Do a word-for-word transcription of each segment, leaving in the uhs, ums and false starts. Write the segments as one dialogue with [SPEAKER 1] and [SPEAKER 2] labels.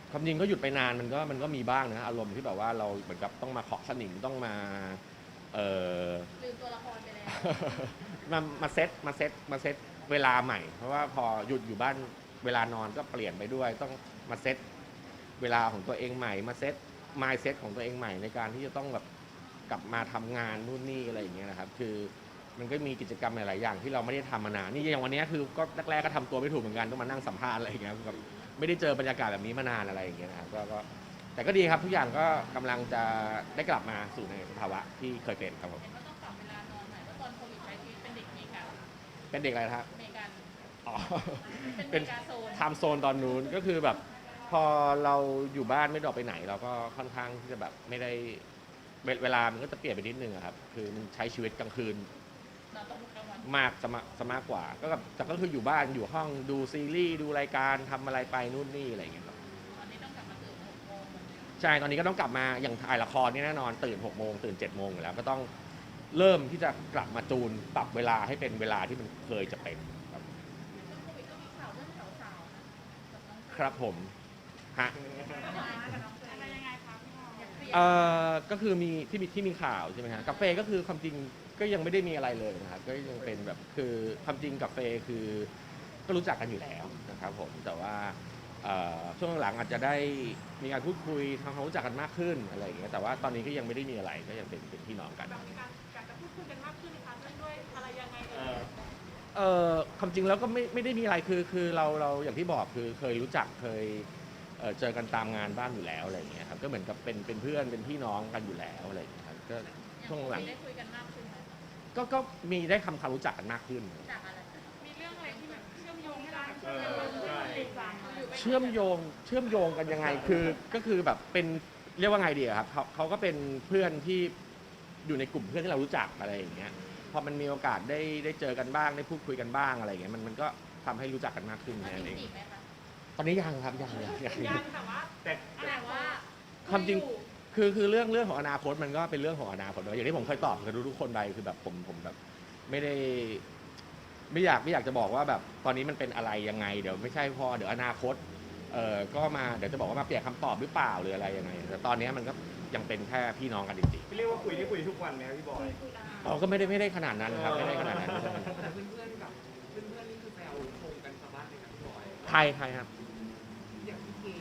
[SPEAKER 1] ความจริงก็หยุดไปนานมันก็มันก็มีบ้างนะอารมณ์ที่แบบว่าเราเหมือนกับต้องมาเคาะสนิมต้องมาเอ่อ
[SPEAKER 2] ลืมตัวละครไปแล้ว
[SPEAKER 1] มามาเซตมาเซตมาเซตเวลาใหม่ เพราะว่าพอหยุดอยู่บ้านเวลานอนก็เปลี่ยนไปด้วยต้องมาเซตเวลาของตัวเองใหม่มาเซตมายเซตของตัวเองใหม่ในการที่จะต้องแบบกลับมาทำงานนู่นนี่อะไรอย่างเงี้ยนะครับคือมันก็มีกิจกรรมหลายๆอย่างที่เราไม่ได้ทำมานานนี่อย่างวันนี้คือก็แรกๆก็ทำตัวไม่ถูกเหมือนกันต้องมานั่งสัมภาษณ์อะไรอย่างเงี้ยแบบไม่ได้เจอบรรยากาศแบบนี้มานานอะไรอย่างเงี้ยนะครับก็แต่ก็ดีครับทุกอย่างก็กำลังจะได้กลับมาสู่ในสภาวะที่เคยเป็นครับผม
[SPEAKER 2] เห็นว่าต้องปรับเวลานอนใหม่เพราะตอนโควิดใช้ชีวิตเป็นเด็กเมกา
[SPEAKER 1] เป็นเด็กอะไรนะครับ
[SPEAKER 2] เมกา
[SPEAKER 1] อ๋อ
[SPEAKER 2] เป็น เมกาโซน
[SPEAKER 1] ไทม์โซนตอนนู้นก็คือแบบพอเราอยู่บ้านไม่ได้ออกไปไหนเราก็ค่อนข้างที่จะแบบไม่ได้เวลามันก็จะเปลี่ยนไปนิดนึงครับคือมันใช้ชีวิตกลางคืน
[SPEAKER 2] นอนตอนกลางวัน
[SPEAKER 1] มากจะมาจะมากกว่าก็แบบแต่ก็คืออยู่บ้านอยู่ห้องดูซีรีส์ดูรายการทำอะไรไปนู่นนี่อะไรอย่างเงี้ยครับ
[SPEAKER 2] ตอนนี้ต้องกลับมาตื่นหกโมงเหมือนเดิม
[SPEAKER 1] ใช่ตอนนี้ก็ต้องกลับมาอย่างถ่ายละครนี่แน่นอนตื่นหกโมงตื่นเจ็ดโมงอยู่แล้วก็ต้องเริ่มที่จะกลับมาจูนปรับเวลาให้เป็นเวลาที่มันเคยจะเป็นครับ
[SPEAKER 2] ช่วงโควิดก็มีข่าวเรื่องสาวๆนะกับน้องเฟ
[SPEAKER 1] ครับผมฮะ
[SPEAKER 2] อะไรยังไงคะพี่พอ
[SPEAKER 1] เอ่อก็คือมีที่มีที่มีข่าวใช่ไหมฮะกาแฟก็คือความจริงก็ยังไม่ได้มีอะไรเลยนะครับก็ยังเป็นแบบคือความจริงกาแฟคือก็รู้จักกันอยู่แล้วนะครับผมแต่ว่าช่วงหลังอาจจะได้มีการพูดคุยทำความรู้จักกันมากขึ้นอะไรอย่างเงี้ยแต่ว่าตอนนี้ก็ยังไม่ได้มีอะไรก็ยังเป็นเป็นพี่น้องกัน
[SPEAKER 2] แบบมีการอยากจะพูดคุยกันมากขึ้นนะคะด้วยอะไรยังไงเอ่ย
[SPEAKER 1] เอ่อความจริงแล้วก็ไม่ไม่ได้มีอะไรคือคือเราเราอย่างที่บอกคือเคยรู้จักเคยเเจอกันตามงานบ้านอยู่แล้วอะไรอย่างเงี้ยครับก็เหมือนกับเป็นเป็นเพื่อนเป็นพี่น้องกันอยู่แล้วอะไรอย่างเงี้ยครับก็ช่วงหลัง
[SPEAKER 2] ได้คุยกันมากขึ้นไหม
[SPEAKER 1] ก็ก็มีได้ทำความรู้จักกันมากขึ้น
[SPEAKER 2] จากอะไรมีเรื่องอะไรที่แบบเชื่อมโยงให้เราเชื่อมโยงติดตาม
[SPEAKER 1] เชื่อมโยงเชื่อมโยงกันยังไงคือก็คือแบบเป็นเรียกว่าไงดีครับเขาเขาก็เป็นเพื่อนที่อยู่ในกลุ่มเพื่อนที่เรารู้จักอะไรอย่างเงี้ยพอมันมีโอกาสได้ได้เจอกันบ้างได้พูดคุยกันบ้างอะไรอย่างเงี้ยมันมันก็ทำให้รู้จักกันมากขึ้นแค่นั้นเองตอนนี้ยังครับยังยังยัง
[SPEAKER 2] ยังแต่ว่าแต่แต่ว่า
[SPEAKER 1] ความจริงคือคือเรื่องเรื่องของอนาคตมันก็เป็นเรื่องของอนาคตอย่างที่ผมเคยตอบกับทุกๆคนไปคือแบบผมผมแบบไม่ได้ไม่อยากไม่อยากจะบอกว่าแบบตอนนี้มันเป็นอะไรยังไงเดี๋ยวไม่ใช่พอเดี๋ยวอนาคตเอ่อก็มาเดี๋ยวจะบอกว่ามาเปลี่ยนคำตอบหรือเปล่าหรืออะไรยังไงแต่ตอนนี้มันก็ยังเป็นแค่พี่น้องกันจริง
[SPEAKER 3] พี่เรียกว่าคุยที่คุยทุกวันไหมครับพี่บอย
[SPEAKER 1] ๆเราก็ไม่ได้ไม่ได้ขนาดนั้นครับไม่ได้ขนาดนั้น
[SPEAKER 3] แต่เพื่อนๆกับเพื่อนๆนี่คือแซวชมกันชาวบ้านเลยครับพี่บอย
[SPEAKER 1] ใครใครครับ
[SPEAKER 3] อย่างพี่เก๋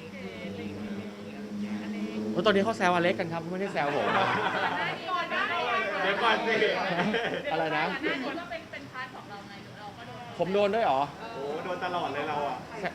[SPEAKER 1] โอ้ตอนนี้เขาแซวอเล็กกันครับไม่ได้แซวผม
[SPEAKER 3] เดี๋ยวก่อนสิ
[SPEAKER 1] อะไรนะ
[SPEAKER 2] หน้านี้ก็เป็นเป็นพาร์ทของเราไงเราก็โดน
[SPEAKER 1] ผมโดนด้วยเหรอ
[SPEAKER 3] โอ้โดนตลอดเลยเราอ่ะ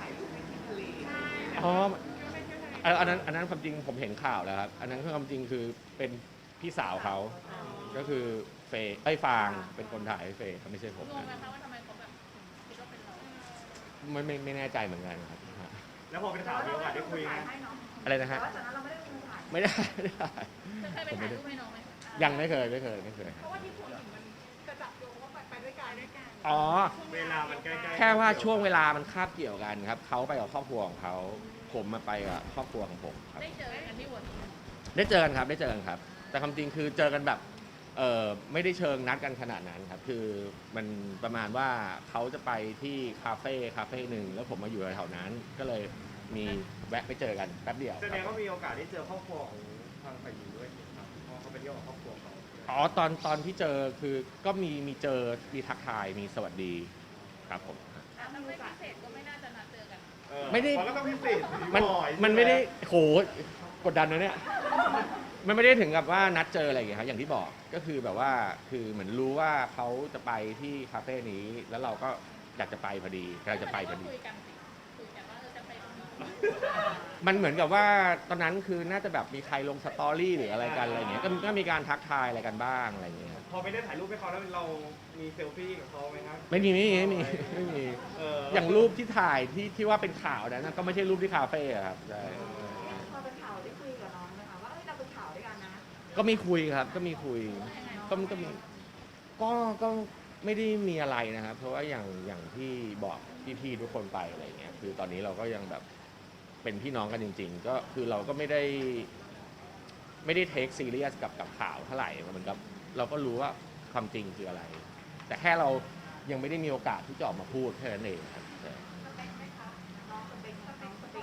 [SPEAKER 1] อ๋ออันนั้นอันนั้นความจริงผมเห็นข่าวแล้วครับอันนั้นคือความจริงคือเป็นพี่สาวเขาก็คือเฟย์ไอ้ฟางเป็นคนถ่ายให้เฟย์ไม่ใช่ผม
[SPEAKER 2] งงไหมคะว่าทำไมเขาแบบคิดว่าเป็นเรา
[SPEAKER 1] ไม่ไม่ไม่แน่ใจเหมือนกันครับ
[SPEAKER 3] แล้วพอเป็นข่าวมีโอกาสได้คุยไหม
[SPEAKER 1] อะไรนะฮะไม่ได้ไม่ได้
[SPEAKER 2] เคยไปถ่ายรูปให้น้องไหม
[SPEAKER 1] ยังไม่เคยไม่เคยไม่เคย
[SPEAKER 2] เพราะว่าที่พูดถึงมันจะจับโยงว่าไปด้วยกันด้วยกัน
[SPEAKER 1] อ๋อ
[SPEAKER 3] เวลามันใกล้ๆ
[SPEAKER 1] แค่ว่าช่วงเวลามันคาบเกี่ยวกันครับเขาไปกับครอบครัวของเขาผมมาไปกับครอบครัวของผมครับ
[SPEAKER 2] ได้เจอกันที่วัน
[SPEAKER 1] ได้เจอกันครับได้เจอกันครับแต่ความจริงคือเจอกันแบบเออไม่ได้เชิงนัดกันขนาดนั้นครับคือมันประมาณว่าเขาจะไปที่คาเฟ่คาเฟ่หนึ่งแล้วผมมาอยู่แถวนั้นก็เลยมีแวะไปเจอกันแป๊บเดียว
[SPEAKER 3] แสดงว่ามีโอกาสได้เจอครอบครัวของทางฝ่ายหญิงด้วยครับเพราะเขาไปเที่ยวกับครอบครัวเขา
[SPEAKER 1] อ๋อตอนตอนที่เจอคือก็มีมีเจอมีทักทายมีสวัสดีครับผม
[SPEAKER 2] ถ้าไม่พิเศษก็ไม่น่าจะนัดเจอกัน
[SPEAKER 1] ไม่ได้
[SPEAKER 3] ก็ต้องพิเศษ
[SPEAKER 1] มันมันไม่ได้โหกดดันนะเนี่ยมันไม่ได้ถึงกับว่านัดเจออะไรอย่างเงี้ยครับอย่างที่บอกก็คือแบบว่าคือเหมือนรู้ว่าเขาจะไปที่คาเฟ่นี้แล้วเราก็อยากจะไปพอดีเราจะไปพอดี
[SPEAKER 2] คุยกันสิคุยกันว่าจะไปตรงนี้
[SPEAKER 1] มันเหมือนกับว่าตอนนั้นคือน่าจะแบบมีใครลงสตอรี่หรืออะไรกันอะไรเงี้ยก็ก็มีการทักทายอะไรกันบ้างอะไรเงี้ย
[SPEAKER 3] พอไม่ได้ถ่ายรูปให้เขาแล้วเรามีเซลฟี่กับเขาไหมครับ
[SPEAKER 1] ไม่มีไม่มีไม่มีไม่มีอย่างรูปที่ถ่ายที่ที่ว่าเป็นข่าวนั้นก็ไม่ใช่รูปที่คาเฟ่ครับใช่
[SPEAKER 4] พอเป็นข่าวได้คุยกับน้องไหมคะว่าเราเป็นข่าวด้วยกันนะ
[SPEAKER 1] ก็มีคุยครับก็มีคุยก็ก็มีก็ก็ไม่ได้มีอะไรนะครับเพราะว่าอย่างอย่างที่บอกพี่ๆทุกคนไปอะไรเงี้ยคือตอนนี้เราก็ยังแบบเป็นพี่น้องกันจริงๆก็คือเราก็ไม่ได้ไม่ได้เทคซีเรียสกับกับข่าวเท่าไหร่เหมือนกับเราก็รู้ว่าความจริงคืออะไรแต่แค่เรายังไม่ได้มีโอกาสที่จะออกมาพูดแค่นั้นเองครับ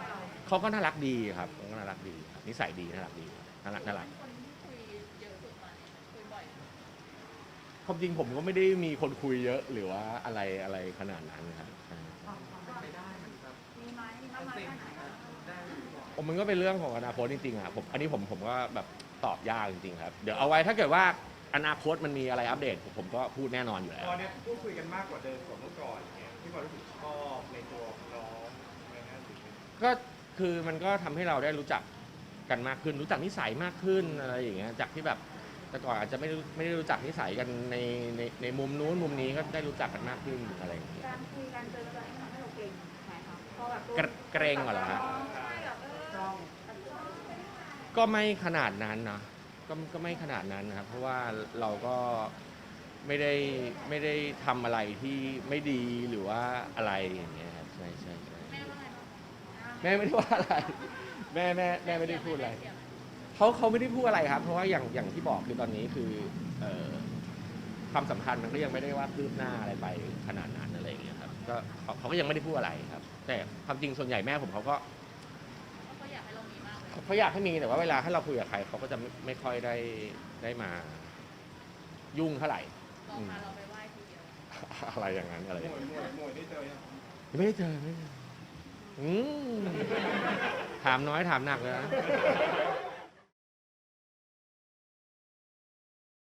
[SPEAKER 1] เขาก็น่ารักดีครับเขาก็น่ารักดีครับนิสัยดีน่ารักดีครับน่ารักน่ารัก
[SPEAKER 2] คนที่คุยเยอะสุดตอนนี้คุยบ่อย
[SPEAKER 1] ความจริงผมก็ไม่ได้มีคนคุยเยอะหรือว่าอะไรอะไรขนาดนั้นนะครับใช่
[SPEAKER 3] ไปได้เหมือนครับ
[SPEAKER 4] มีไหมมีมากน้อยแค่ไหนอะ
[SPEAKER 3] ได้หรือเปล่า
[SPEAKER 1] ผมมันก็เป็นเรื่องของอนาคตจริงๆอ่ะผมอันนี้ผมผมก็แบบตอบยากจริงๆครับเดี๋ยวเอาไว้ถ้าเกิดว่าอนาคตมันมีอะไรอัปเดตผมผมก็พูดแน่นอนอยู่แล้ว
[SPEAKER 3] ตอนเนี้ยพูดคุยกันมากกว่าเดิมกว่าเมื่อก่อนเนี่ยที่ว่ารู้สึกชอบในตัวของน้องอะไรเงี้ยหรือเป็น
[SPEAKER 1] ก็คือมันก็ทำให้เราได้รู้จักกันมากขึ้น รู้จักนิสัยมากขึ้นอะไรอย่างเงี้ยจากที่แบบแต่ก่อนอาจจะไม่รู้ไม่ได้รู้จักนิสัยกันในในในมุมนู้นมุมนี้ก็ได้รู้จักกันมากขึ้นอะไรอย่างเงี้ย
[SPEAKER 4] การคุยกันเจอกันให้ทำให้เราเกรงไหมคะพอแบบ
[SPEAKER 1] เกรเกรงเหรอฮะ
[SPEAKER 4] ใช่แบบเออจ้องจับจ้อง
[SPEAKER 1] ก็ไม่ขนาดนั้นนะก็ก็ไม่ขนาดนั้นนะครับเพราะว่าเราก็ไม่ได้ไม่ได้ทำอะไรที่ไม่ดีหรือว่าอะไรอย่างเงี้ยครับใช่ใช่ใช่
[SPEAKER 2] แม่ว่าไงบ้าง
[SPEAKER 1] แม่ไม่ได้ว่าอะไรแม่แม่แม่ไม่ได้พูดอะไร
[SPEAKER 2] เสียหม
[SPEAKER 1] เขาเขาไม่ได้พูดอะไรครับ เพราะว่าอย่างอย่างที่บอกคือตอนนี้คือเอ่อความสัมพันธ์มันก็ยังไม่ได้ว่าคืบหน้าอะไรไปขนาดนั้นอะไรอย่างเงี้ยครับก็เขาเขาก็ยังไม่ได้พูดอะไรครับ แต่ความจริงส่วนใหญ่แม่ผมเขาก็
[SPEAKER 2] เขาอยากให้เรามีมากเลย
[SPEAKER 1] เขาอยากให้มีแต่ว่าเวลาถ้าเราคุยกับใครเขาก็จะไม่ไม่ค่อยได้ได้มายุ่งเท่าไหร่
[SPEAKER 2] ลองพาเราไปไหว้ทีเดียว
[SPEAKER 1] อะไรอย่างนั้นอะไรอ
[SPEAKER 3] ห
[SPEAKER 1] ย่าง
[SPEAKER 3] มว
[SPEAKER 1] นั้
[SPEAKER 3] ย
[SPEAKER 1] น
[SPEAKER 3] หมวยหมวยได้เจอยัง
[SPEAKER 1] ไม่ได้เจอไม่ได้เจออืมถามน้อยถามหนักเลยนะ